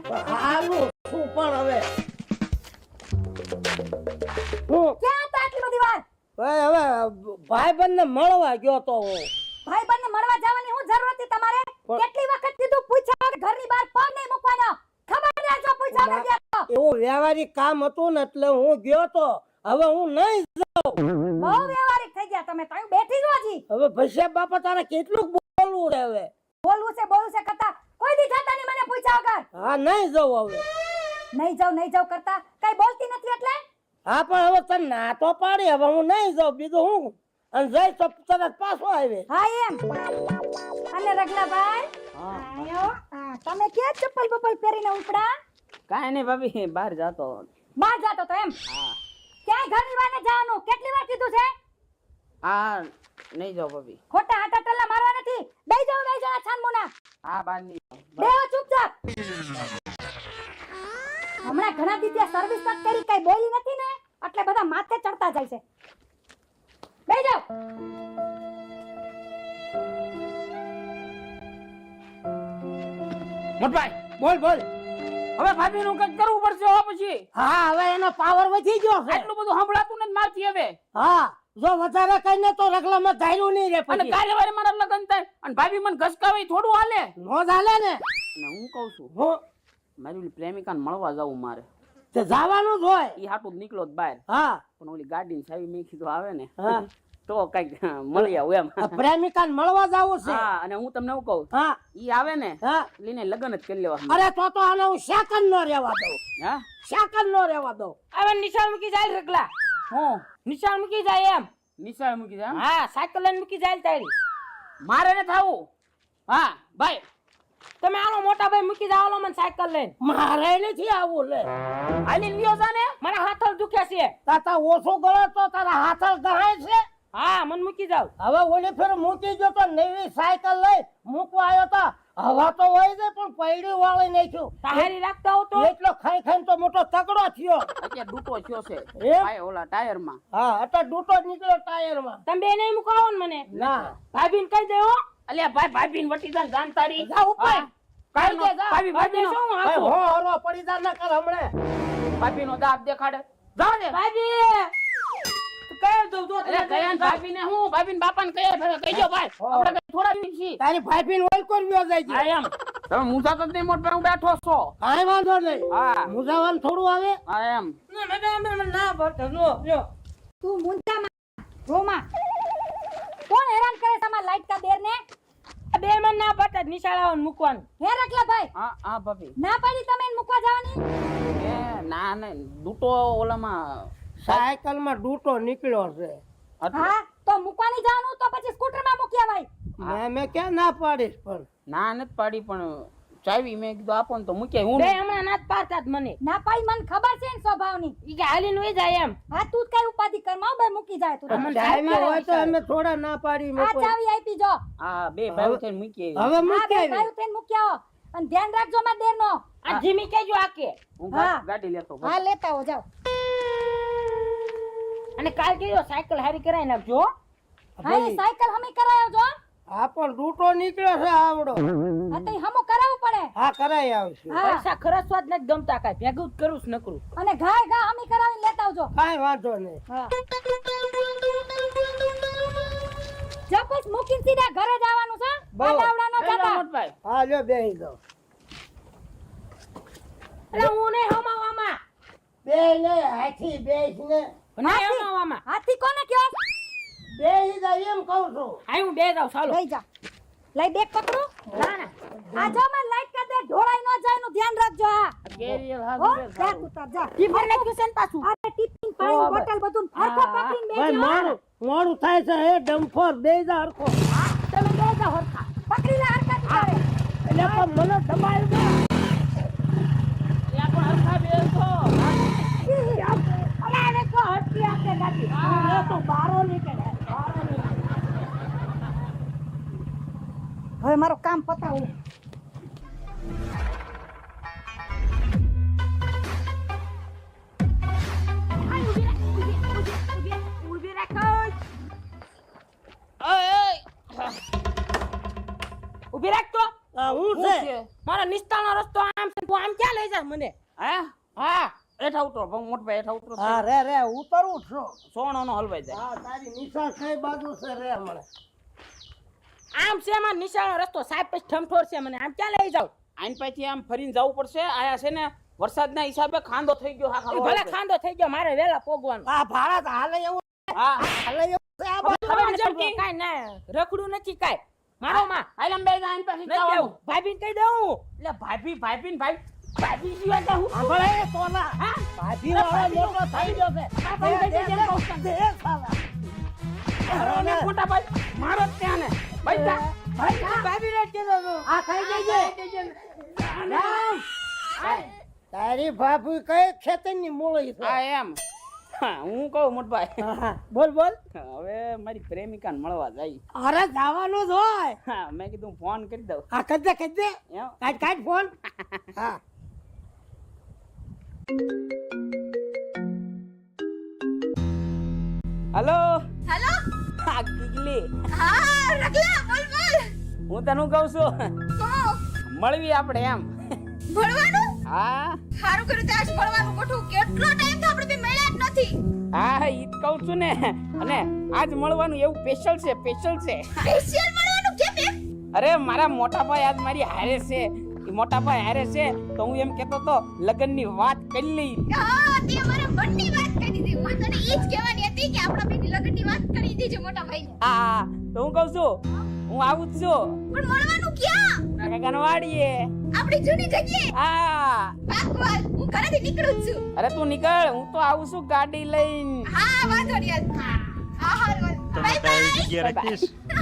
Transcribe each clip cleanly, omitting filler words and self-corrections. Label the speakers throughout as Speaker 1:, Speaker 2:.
Speaker 1: હાલું શું પણ હવે હું
Speaker 2: ક્યાં હતા આટલી બધી વાર?
Speaker 1: ભાઈ હવે ભાઈબંધને મળવા ગયો તો હું.
Speaker 2: ભાઈબંધને મળવા જવાની હું જરૂર હતી તમારે? કેટલી વખત કીધું પૂછ્યા વગર ઘરની બહાર પગ નહીં મૂકવાનો. ખબર રાખજો પૂછ્યા વગર ગયા તો.
Speaker 1: એવું વ્યવહારિક કામ હતું ને એટલે હું ગયો તો. હવે હું નહીં જાઉં.
Speaker 2: બહુ વ્યવહારિક થઈ ગયા તમે તો. હું બેઠી જ હજી.
Speaker 1: હવે ભસ્યા બાપા તારે કેટલું બોલવું રે હવે?
Speaker 2: બોલવું છે કરતા કોઈ દી જાતા નહીં મને પૂછ્યા વગર.
Speaker 1: હા નહીં જાઉં હવે.
Speaker 2: નહીં જાઉં કરતા કઈ બોલતી નથી એટલે?
Speaker 1: હા પણ હવે તને ના તો પાડી. હવે હું નહીં જાઉં. બીજું હું અને જઈ તો તરત પાછો આવે.
Speaker 2: હા એમ. અને રગલાભાઈ આયો. તમે ક્યાં ચપ્પલ બપ્પલ પહેરીને ઉપડા?
Speaker 3: કાંઈ નહીં ભાભી, બહાર જાતો.
Speaker 2: બહાર જાતો તો એમ? ક્યાંય ઘરની બહાર ન જવાનું. કેટલી વાર કીધું છે?
Speaker 3: હા નહીં જાઓ ભાભી.
Speaker 2: ખોટા આટા ટલ્લા મારવા નથી. બેહી જાઓ છાનમુના.
Speaker 3: હા બહાર નહીં જાઓ.
Speaker 2: બેહો ચૂપચાપ. હમણાં ઘણા દીદી સર્વિસ નથી કરી, કઈ બોલી નથી ને એટલે બધા માથે ચડતા જાય છે. બેહી જાઓ.
Speaker 3: મોટભાઈ
Speaker 1: બોલ બોલ.
Speaker 3: હવે ભાભી નું કંઈક કરવું પડશે હો પછી.
Speaker 1: હા હવે એનો પાવર વધી ગયો છે.
Speaker 3: આટલું બધું સંભળાતું નથી મારથી હવે.
Speaker 1: હા જો વધારે કઈને તો રગલામાં ધાર્યું નહીં રે
Speaker 3: અને
Speaker 1: પછી.
Speaker 3: કાલે વારે મારા લગન થાય અને ભાભી મને ઘસકાવે થોડું હાલે.
Speaker 1: નો ચાલે ને.
Speaker 3: અને હું કહું છું
Speaker 1: હું
Speaker 3: મારી ઓલી પ્રેમિકાને મળવા જાવું મારે.
Speaker 1: તે જવાનું જ હોય.
Speaker 3: ઈ હાટું જ નીકળો બહાર.
Speaker 1: હા
Speaker 3: પણ ઓલી ગાડી સાવી મેં કીધું આવે ને
Speaker 1: હા
Speaker 3: તો કઈક મળી આવું એમ.
Speaker 1: આ પ્રેમિકાને મળવા જાવું છે.
Speaker 3: હા અને હું તમને એવું કહું
Speaker 1: હા
Speaker 3: ઈ આવે ને
Speaker 1: હા
Speaker 3: લઈને લગન જ કરી લેવા.
Speaker 1: અરે તો આને હું સેકન્ડ નો રહેવા દઉં.
Speaker 3: હા
Speaker 1: સેકન્ડ નો રહેવા દઉં.
Speaker 4: હવે નિશાળ મૂકી જાય રગલા.
Speaker 3: હું
Speaker 4: નિશાળ મૂકી જાય એમ.
Speaker 3: નિશાળ મૂકી જા.
Speaker 4: હા સાયકલ લઈને મૂકી જાય તારી.
Speaker 3: મારે ને થાવું. હા ભાઈ
Speaker 4: તમે આનો મોટા ભાઈ મૂકી જાવ મને સાયકલ લઈને.
Speaker 1: મારે નથી આવું લે.
Speaker 3: હાલી લ્યો જા ને.
Speaker 4: મને હાથળ દુખે છે.
Speaker 1: તાતા ઓછો ગળે તો તારા હાથળ ગહાય છે.
Speaker 4: હા મને મૂકી જાવ.
Speaker 1: હવે ઓલી ફેર મૂકી ગયો તો નવી સાયકલ લઈ મૂકવા આવ્યો તો હવા તો હોય છે પણ પૈડી વાળી નાખ્યું.
Speaker 4: તારી રાખતા હો તો
Speaker 1: એટલો ખાઈ ખાઈને તો મોટો તગડો થયો.
Speaker 3: અત્યારે ડૂટો થયો છે
Speaker 1: એમ?
Speaker 3: ભાઈ ઓલા ટાયર માં.
Speaker 1: હા અત્યારે ડૂટો જ નીકળ્યો ટાયર માં.
Speaker 4: તમે બે નહીં મુકાવો ને મને.
Speaker 1: ના
Speaker 4: ભાભીને કહી દે હો.
Speaker 3: અલ્યા ભાઈ ભાભી વટી જા જાન તારી.
Speaker 1: જા ઉપર.
Speaker 3: હા.
Speaker 1: કાઈ દે જા.
Speaker 3: ભાભી ભાભી
Speaker 4: શું હું
Speaker 1: ભાઈ
Speaker 4: આપું?
Speaker 1: હો હરો પડી જા ન કર હમણે.
Speaker 3: ભાભી નો દાંત દેખાડે. જા ને.
Speaker 4: ભાભી તું કહી દઉં તો
Speaker 3: અરે કયા ભાભી ને હું ભાભી ને બાપા ને કહેજો ભાઈ. આપણે કઈ થોડા દિવસ છીએ.
Speaker 1: તારી ભાઈબીન ઓલ કરવ્યો જાય છે.
Speaker 3: હા એમ. તમે મુસા તો નહીં મોટ પર હું બેઠો છો.
Speaker 1: કાઈ વાંધો નહીં.
Speaker 3: હા
Speaker 1: મુસાવાન થોડું આવે.
Speaker 3: હા એમ.
Speaker 4: ના ભરતો નો લો.
Speaker 2: તું મુંજામાં રોમાં. કોણ હેરાન કરે તમાર લાઈટ કા દેર ને?
Speaker 4: બે મને ના ભરતા નિશાળ આવવાનું મૂકવાનું.
Speaker 2: હે રગલાભાઈ
Speaker 3: હા હા ભાભી.
Speaker 2: ના પાડી તમે એને મૂકવા જવાની?
Speaker 3: એ ના ને ડૂટો ઓલામાં
Speaker 1: સાયકલ માં ડૂટો નીકળ્યો છે.
Speaker 2: હા તો મૂકવાની જવાનું તો પછી સ્કૂટર માં મૂકી આવાય.
Speaker 1: મેં ક્યાં ના પાડીશ પણ.
Speaker 3: ના નથી પાડી પણ ચાવી મેં કીધું આપો ને તો મૂકે હું
Speaker 4: બે હમણાં ના જ પાડતા જ મને.
Speaker 2: ના પાડી મને ખબર છે ને સ્વભાવની.
Speaker 4: ઈ કે હાલીને વઈ જાય એમ.
Speaker 2: હા તું કઈ ઉપાધિ કર માં બે મૂકી જાય તું.
Speaker 4: અમને
Speaker 1: ચાવી હોય તો અમે થોડા ના પાડી
Speaker 2: આ
Speaker 1: મૂકો.
Speaker 2: ચાવી આપી જો.
Speaker 3: હા બે ભાઈ થઈને મૂકી
Speaker 1: હવે
Speaker 2: હા
Speaker 1: મૂકી
Speaker 2: બે
Speaker 1: આવી.
Speaker 2: ભાઈ થઈને મૂકી આવો અને ધ્યાન રાખજો માં દેર નો.
Speaker 4: આ જીમી કેજો આકે.
Speaker 3: હું
Speaker 2: હા.
Speaker 3: ગાડી લેતો
Speaker 2: હા લેતા હો જાઓ.
Speaker 4: અને કાલ કેજો સાયકલ હારી કરાવી નાખજો હો.
Speaker 2: હા એ સાયકલ હમી કરાયો જો.
Speaker 1: હા પણ ડૂટો નીકળ્યો છે આવડો.
Speaker 2: હા તો હમો કરાવવું પડે.
Speaker 1: હા કરાઈ આવશે.
Speaker 2: હા
Speaker 4: પૈસા ખર્ચવા જ નથી ગમતા કાંઈ ભેગું જ કરું છું નકરું.
Speaker 2: અને ઘાય ઘા હમી કરાવીને લેતા આવજો.
Speaker 1: કાઈ વાંધો નહીં.
Speaker 2: હા જો પછી મૂકીને સીધા ઘરે જવાનું છે.
Speaker 1: બહુ.
Speaker 2: આડાવડા નો જતા.
Speaker 3: મોટભાઈ
Speaker 1: હા લ્યો બેહી જાઓ.
Speaker 4: એટલે હું નહીં હમાવામાં.
Speaker 1: બે ને હાથી બેસ ને
Speaker 4: નહીં હમાવામાં.
Speaker 2: હાથી કોને કયો?
Speaker 1: બેહી જાય એમ કહું છું.
Speaker 4: હા હું બે જાઉં ચાલો.
Speaker 2: લઈ જા. લઈ બેગ પકડું.
Speaker 4: ના ના.
Speaker 2: આ જો માં લાઈટ કા દે ઢોળાઈ ન જાય નું ધ્યાન રાખજો. હા
Speaker 3: કેરિયર
Speaker 2: હો
Speaker 3: હાથ
Speaker 2: જા તું તાર જા.
Speaker 4: ટીફર નાખ્યું છે ને પાછું.
Speaker 2: અરે ટિફિન પાણી બોટલ બધું ફરકો પકડીને
Speaker 1: ભાઈ
Speaker 2: બેજો.
Speaker 1: મોડું મોડું થાય છે. એ ડમ્ફર બેહી જા હરખો.
Speaker 2: તમે બેજો હરખા. પકડી લે હરખા તું તારે.
Speaker 1: એટલે પણ મને દબાવી દે.
Speaker 3: પણ હરખા બેસો.
Speaker 2: અલા એને કો હરખી આપે ગાડી. એ તો બારો નીકળે. હવે મારું કામ પતાવું.
Speaker 4: ઊભી રાખો. ઊભી રાખ તો.
Speaker 1: આ હું
Speaker 3: શું
Speaker 1: છે
Speaker 3: છે?
Speaker 4: મારા નિસ્તાળનો રસ્તો ક્યાં લઈ જા મને?
Speaker 3: હે
Speaker 4: હા
Speaker 3: એઠા ઉતરો મોટભાઈ એઠા ઉતરો
Speaker 1: હા રે ઉતરવું છું.
Speaker 3: સોનો હલવાઈ જાય
Speaker 1: હા તારી નિશાળ કઈ બાજુ છે રે હમણાં?
Speaker 4: આમ છે માં નિશાળનો રસ્તો સાહેબ પછી ઠમઠોર છે મને આમ ક્યાં લઈ જાવ?
Speaker 3: આઈન પછી આમ ફરીને જવું પડશે આયા છે ને વરસાદના હિસાબે ખાંડો થઈ ગયો
Speaker 4: ઈ ભલે ખાંડો થઈ ગયો મારે વેલા પોગવાનું.
Speaker 1: આ ભાડા તો હાલે એવું
Speaker 3: હા
Speaker 1: હાલે એવું છે આ બાજુ.
Speaker 4: ખબર નથી કાઈ ના રખડું નથી કાઈ મારો માં
Speaker 3: આઈલમ બે આઈન પછી
Speaker 4: નથી દેવું ભાભીને કહી દઉં
Speaker 3: એટલે ભાભી જીવા તા હું
Speaker 1: સાંભળે એ તોલા.
Speaker 3: હા
Speaker 1: ભાભી વાળો મોટો થઈ ગયો છે. દે સાલા.
Speaker 3: અરે મોટા ભાઈ મારો જ ત્યાં ને ભાઈ જા
Speaker 4: ભાભીને જ કીધું તું.
Speaker 1: આ કઈ દેજે. તારી ભાભી કઈ ખેતરની મૂળી છે?
Speaker 3: હા એમ હા, હું કહું મોટભાઈ
Speaker 1: હા, બોલ બોલ.
Speaker 3: હવે મારી પ્રેમિકાને મળવા જાય
Speaker 1: અરે જવાનું જ હોય.
Speaker 3: હા મેં કીધું ફોન કરી દઉં
Speaker 1: હા કદે
Speaker 3: એમ
Speaker 1: કાઢ ફોન. હા
Speaker 3: હલો
Speaker 2: હેલો
Speaker 3: હા ગીગલી
Speaker 2: હા રગલા બોલ બોલ
Speaker 3: હું તને કહું છું
Speaker 2: તો
Speaker 3: મળવી આપણે એમ
Speaker 2: ભણવાનું
Speaker 3: હા
Speaker 2: સારું કર્યું તે આજ ભણવાનું ગોઠવું કેટલો ટાઈમ તો આપણે બે મળ્યા જ નથી
Speaker 3: હા ઈ જ કહું છું ને અને આજ મળવાનું એવું સ્પેશિયલ છે
Speaker 2: સ્પેશિયલ મળવાનું કેમ એમ
Speaker 3: અરે મારા મોટા ભાઈ આજ મારી હારે છે ઈ મોટા ભાઈ હારે છે તો હું એમ કહેતો તો લગ્નની વાત કરી લઈ
Speaker 2: હા તે અમારા મનની વાત કરી દીધી હું તને ઈ જ કહેવાની હતી કે આપણા બેની લગ્નની વાત કરી દીધી મોટા ભાઈ
Speaker 3: હા તો હું કહું છું હું આવું જ છું
Speaker 2: પણ મળવાનું ક્યાં
Speaker 3: કાકાના વાડીએ
Speaker 2: આપણી જૂની જગ્યાએ
Speaker 3: હા
Speaker 2: પાકવાલ હું ઘરેથી નીકળું જ છું
Speaker 3: અરે તું નીકળ હું તો આવું છું ગાડી લઈને
Speaker 2: હા વાંધો નહીં હા હા બાય બાય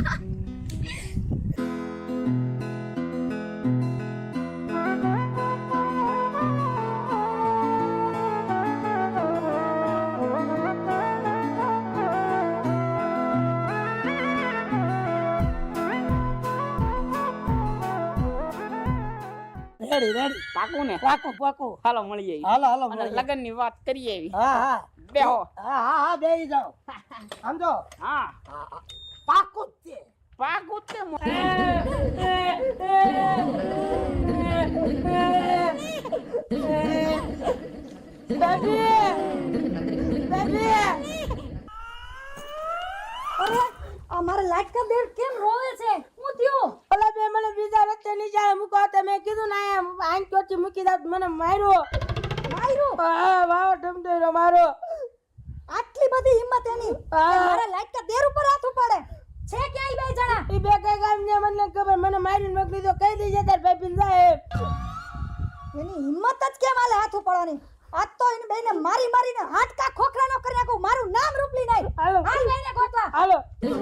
Speaker 1: રેડી
Speaker 3: પાકું ને
Speaker 1: પાકું.
Speaker 3: હાલો મળીએ
Speaker 1: હાલો
Speaker 3: અને
Speaker 1: મળીએ.
Speaker 3: લગ્નની વાત કરીએ એવી
Speaker 1: હા
Speaker 3: બેહો
Speaker 1: હા બેહી જાઓ. સમજો
Speaker 3: હા
Speaker 1: પાકું જ છે.
Speaker 3: પાકું જ તે
Speaker 2: અરે અમારા લાડકા દેર કેમ રોવે છે હું થયું
Speaker 4: ઓલા બે મને બીજા રસ્તે નિશાળે મૂકો તો મેં કીધું ના એમ આંખ ચોથી મૂકી દઉં મને માર્યો હા વાવ ઠમઠેરો મારો
Speaker 2: આટલી બધી હિંમત એની કે મારા લાડકા દેર ઉપર હાથ ઉપાડે છે ક્યાંય બે જણા
Speaker 4: ઈ બે કઈ કામ ને મને ખબર મને મારીને મોકલી દો કહી દેજે તાર ભાઈ સાહેબ
Speaker 2: એની હિંમત જ કેમ આલે હાથ ઉપાડવાની આજ તો એને બેને મારીને હાડકા ખોખરાનો કરી નાખું મારું નામ રૂપલી નહીં
Speaker 4: હાલો
Speaker 2: હાલ બેને ગોતવા
Speaker 4: હાલો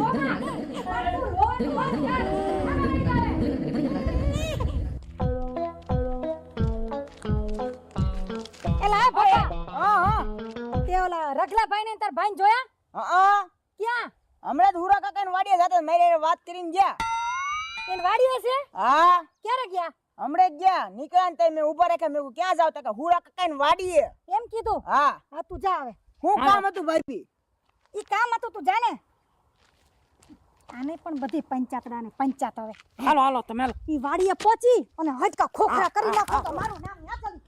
Speaker 2: એલા ભાઈ હા તે ઓલા રગલાભાઈ ને તાર ભાઈ જોયા
Speaker 4: હા
Speaker 2: ક્યાં
Speaker 4: હમણાં જ હુરા કાકાની વાડીએ જતા મારી હારે વાત કરીને ગયા
Speaker 2: એન વાડીએ છે
Speaker 4: હા
Speaker 2: ક્યારે ગયા
Speaker 4: હમણાં જ ગયા નીકળ્યા ને તઈ મેં ઊભા રાખ્યા મેં કીધું ક્યાં જાવ તો કે હુરા કાકાની વાડીએ
Speaker 2: એમ કીધું
Speaker 4: હા
Speaker 2: હા તું જા હવે
Speaker 4: હું કામ હતું ભાઈ
Speaker 2: ઈ કામ હતું તું જાને આને પણ બધી પંચાયત હવે
Speaker 4: હાલો તમે હાલો
Speaker 2: ઈ વાડીએ પહોંચી અને હજકા ખોખરા કરી નાખો તો મારું નામ ના ચાલે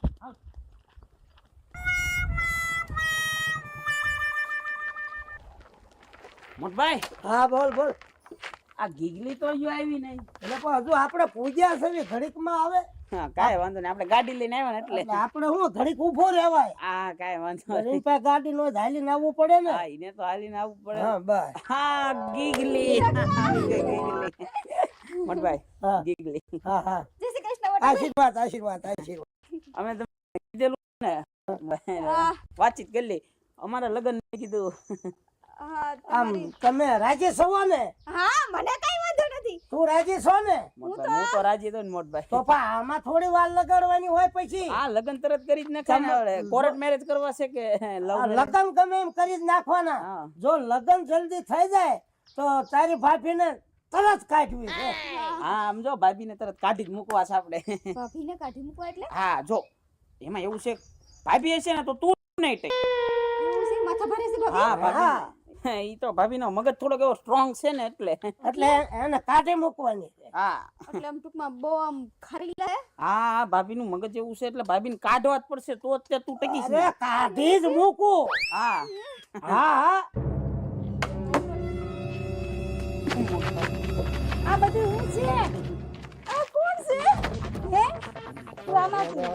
Speaker 3: મોટભાઈ
Speaker 1: હા બોલ.
Speaker 3: આ ગીગલી તો હજુ આવી નહીં
Speaker 1: એટલે પણ હજુ આપણે પૂજ્યા છે ને ઘડીકમાં આવે.
Speaker 3: હા કાંઈ વાંધો નહીં આપણે ગાડી લઈને આવ્યા ને એટલે
Speaker 1: એટલે આપણે શું ઘડીક ઊભો રહેવાય.
Speaker 3: હા કાંઈ વાંધો
Speaker 1: એની
Speaker 3: નહીં
Speaker 1: પાસે ગાડી નો હાલીને આવવું પડે ને.
Speaker 3: હા એને તો હાલીને આવવું પડે
Speaker 1: હા બસ.
Speaker 3: હા ગીગલી આવી ગઈ ગીગલી મોટભાઈ
Speaker 1: હા.
Speaker 3: ગીગલી
Speaker 1: હા
Speaker 2: જય શ્રી કૃષ્ણ મોટા
Speaker 1: આશીર્વાદ.
Speaker 3: અમે તમને કીધેલું ને વાતચીત કરી લી અમારા લગ્ન મેં કીધું
Speaker 1: આમ તમે રાજી છો ને?
Speaker 2: હા મને કઈ વાંધો નથી
Speaker 1: તું રાજી છો ને?
Speaker 3: મોટભાઈ હું તો રાજી હતો ને મોટભાઈ
Speaker 1: તો પણ આમાં થોડી વાર લગાડવાની હોય પછી.
Speaker 3: હા લગ્ન તરત કરી જ નાખે ને હવે કોર્ટ મેરેજ કરવા છે કે લવ
Speaker 1: આ લગ્ન ગમે એમ કરી જ નાખવાના.
Speaker 3: હા.
Speaker 1: જો લગ્ન જલ્દી થઈ જાય તો તારી ભાભીને તરત કાઢવી છે.
Speaker 3: હા આમ જો ભાભીને તરત કાઢી જ મૂકવા છે આપણે
Speaker 2: ભાભીને કાઢી મૂકવા એટલે
Speaker 3: હા જો એમાં એવું છે ભાભી હશે ને તો તું નહીં ટેક
Speaker 2: એવું છે માથા ભારે છે ભાભી
Speaker 3: હા ભાભી
Speaker 1: હા
Speaker 3: ઈ તો ભાભીનો મગજ થોડોક એવો સ્ટ્રોંગ છે ને એટલે
Speaker 1: એટલે એને કાઢી મૂકવાની છે.
Speaker 3: હા
Speaker 2: એટલે આમ ટૂંકમાં બહુ આમ ખરી લે
Speaker 3: હા ભાભીનું મગજ એવું છે એટલે ભાભીને કાઢવા જ પડશે તો જ તે તું ટકીશ ને.
Speaker 1: અરે કાઢી જ મૂકું.
Speaker 3: હા
Speaker 1: હા હા
Speaker 2: આ બધું હું છે આ કોણ છે હે તું આમાંથી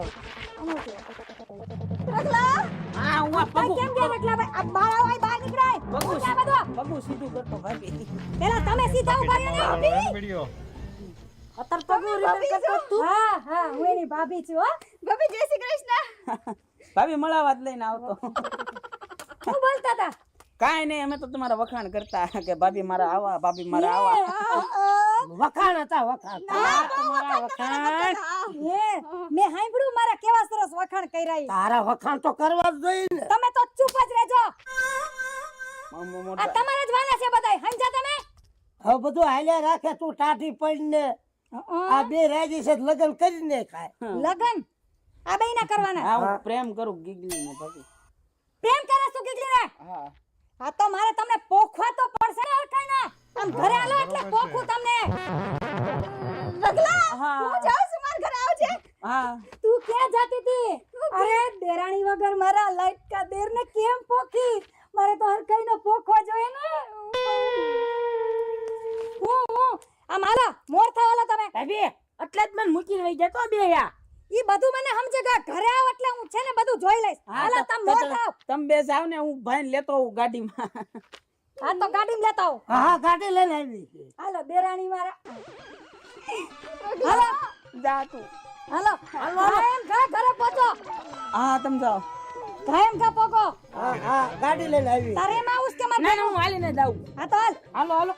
Speaker 2: રગલા
Speaker 3: હા હું આ
Speaker 2: આ કેમ ગયા રગલા ભાઈ આ બહાર આવો અહીં બહાર નીકળાય
Speaker 3: પગું
Speaker 2: હું ક્યાં બધો
Speaker 3: પગું સીધું કરતો ભાભી.
Speaker 2: પેલા તમે સીધા ઉભા રહ્યો ને અત્યારે તો હું રિપેર કરતો તું હા હા હું એની ભાભી છું હો ભાભી જય શ્રી કૃષ્ણ
Speaker 3: ભાભી મળાવા જ લઈને આવતો.
Speaker 2: શું બોલતા હતા
Speaker 3: કાંઈ નહીં અમે તો તમારા વખાણ કરતા કે ભાભી મારા આવા ભાભી મારા આવા.
Speaker 1: વખાણ હતા વખાણ.
Speaker 3: હા, તમારા વખાણ
Speaker 2: હે મેં સાંભળ્યું મારા કેવા સરસ વખાણ કર્યા ઈ.
Speaker 1: તારા વખાણ તો કરવા જ જોઈએ ને.
Speaker 2: તમે તો ચૂપ જ રહેજો
Speaker 3: મોટા
Speaker 2: આ તમારા જ વાલા છે બધાય સમજ્યા તમે
Speaker 1: હવે બધું હાલ્યા રાખે તું ટાઢી પડીને આ બે રાજી છે લગ્ન કરીને ખાય.
Speaker 2: લગન આ બેય ના કરવાના
Speaker 3: હા હું પ્રેમ કરું ગીગલીને ભાભી.
Speaker 2: પ્રેમ કરે શું કીધલી રે
Speaker 3: હા
Speaker 2: આ તો મારે તમને પોખવા તો પડશે ને હરખાઈ ના આમ ઘરે આલો એટલે પોખું તમને રગલા
Speaker 3: હા.
Speaker 2: હું જાઉં છું માર ઘરે આવજે
Speaker 3: હા
Speaker 2: તું ક્યાં જાતી હતી અરે દેરાણી વગર મારા લાઈટ કા દેર ને કેમ પોખી મારે તો હરખાઈ નો પોખવા જોઈએ ને હું આ માલા મોર થાવાલા તમે
Speaker 1: ભાભી એટલે જ મને મૂકીને વઈ જતો બે યા.
Speaker 2: ઈ બધું મને સમજે કે ઘરે આવ એટલે હું છે ને બધું જોઈ લઈશ હાલો તમે મોર થાવ
Speaker 3: તમે બે જાવ ને હું ભાઈને લેતો આવું ગાડીમાં.
Speaker 2: હા તો ગાડીમાં લેતા આવો
Speaker 1: હા હા ગાડી લઈને આવી છે.
Speaker 2: હાલો દેરાણી મારા હાલો
Speaker 3: જા તું.
Speaker 2: હાલો કાયમ ઘરે પહોંચો
Speaker 3: હા તમે જાઓ.
Speaker 2: કાયમ ઘા પોકો
Speaker 1: હા હા ગાડી લઈને આવી.
Speaker 2: તારે એમાં આવું છે કે મારે
Speaker 3: ના ના હું હાલીને જાઉં.
Speaker 2: હા તો હાલ
Speaker 3: હાલો હાલો.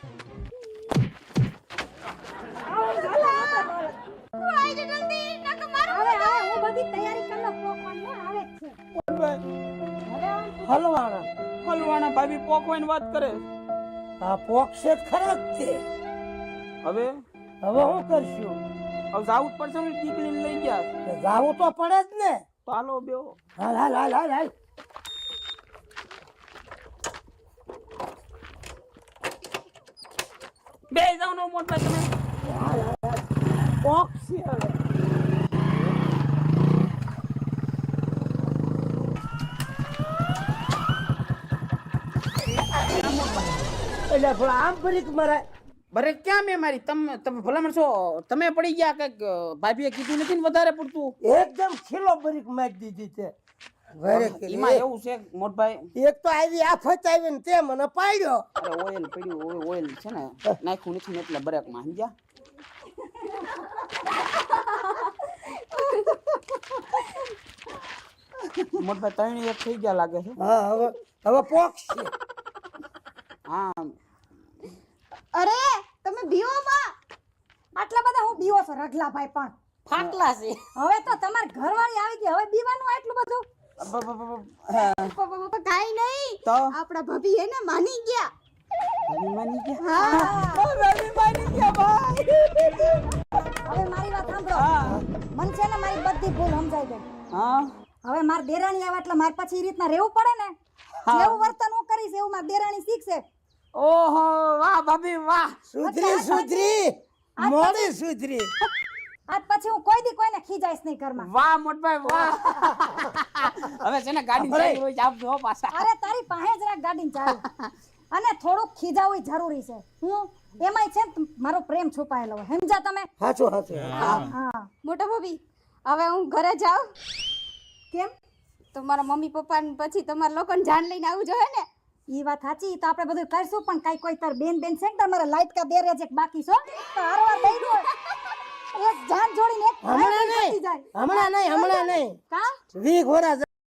Speaker 2: હવે હું બધી તૈયારી કરી લઉં પોકવાની આવે જ છે
Speaker 1: હલવાણા
Speaker 3: હલવાના ભાભી પોકવાની વાત કરે.
Speaker 1: આ પોક્ષે ખરા જ તે.
Speaker 3: હવે
Speaker 1: હવે શું કરશું
Speaker 3: હવે જાવું જ પડશે ને ગીગલીને લઈ ગયા
Speaker 1: જાવું તો પડે જ ને.
Speaker 3: તો હાલો બેહો.
Speaker 1: હાલ હાલ હાલ હાલ હાલ.
Speaker 3: બે જાવ ને મોટા તમે.
Speaker 1: પોક્ષી હવે. એટલે થોડા આમ ફરીક મરાય.
Speaker 3: બરે ક્યાં મેં મારી તમે તમે ભલામણ છો તમે પડી ગયા કઈક ભાભીએ કીધું નથી ને વધારે પડતું.
Speaker 1: એકદમ ખીલો બરીક મારી દીધી છે. ઘરે કરી.
Speaker 3: એમાં એવું છે મોટભાઈ
Speaker 1: એક તો આવી આફત આવી ને તે મને પાડ્યો.
Speaker 3: અરે ઓઇલ પડ્યું ઓઇલ છે ને નાખ્યું નથી ને એટલે બ્રેકમાં સમજ્યા. મોટભાઈ ત્રણ એક થઈ ગયા લાગે છે.
Speaker 1: હા હવે હવે પોક્ષી.
Speaker 3: હા
Speaker 2: અરે તમે બીવો માં આટલા બધા હું બીવો છો રગલાભાઈ પણ
Speaker 3: ફાટલા છે.
Speaker 2: હવે તો તમાર ઘરવાળી આવી ગઈ હવે બીવાનું આટલું બધું કાઈ નહીં
Speaker 3: તો
Speaker 2: આપડા ભાભી હે ને માની ગયા
Speaker 3: ભાભી માની ગયા.
Speaker 2: હવે મારી વાત સાંભળો
Speaker 3: હા
Speaker 2: મન છે ને મારી બધી ભૂલ સમજાઈ ગઈ
Speaker 3: હા
Speaker 2: હવે માર દેરાણી આવે એટલે માર પછી ઈ રીતના રહેવું પડે ને જેવું વર્તન હું કરીશ એવું માર દેરાણી શીખશે
Speaker 3: ઓહો વાહ ભાભી વાહ.
Speaker 1: સુધરી સુધરી મોડી સુધરી.
Speaker 2: આજ પછી હું કોઈ દી કોઈને ખીજાઈશ નહીં ઘરમાં
Speaker 3: વાહ મોટભાઈ વાહ. હવે છે ને ગાડી ચાલી હોય આપજો હો પાછા.
Speaker 2: અરે તારી પાસે જ રાખ ગાડીને ચાવી અને થોડુંક ખીજાવું જરૂરી છે હું એમાંય છે ને મારો પ્રેમ છુપાયેલો હોય સમજા તમે
Speaker 1: હાચું હાચું.
Speaker 2: હા
Speaker 5: મોટા ભાભી હવે હું ઘરે જાઉં
Speaker 2: કેમ
Speaker 5: તો મારા મમ્મી પપ્પા પછી તમારા લોકોને જાન લઈને આવું જોઈએ ને
Speaker 2: ઈ વાત સાચી તો આપણે બધું કરશું પણ કઈ કોઈ તાર બેન છે ને તમારા લાઈટ કા બેરે છે બાકી છો તો હારવાર દઈ દો એક જાન જોડીને એક
Speaker 1: હમણાં નહીં
Speaker 2: જાય
Speaker 1: હમણાં નહીં
Speaker 2: કા
Speaker 1: 20 ઘોડા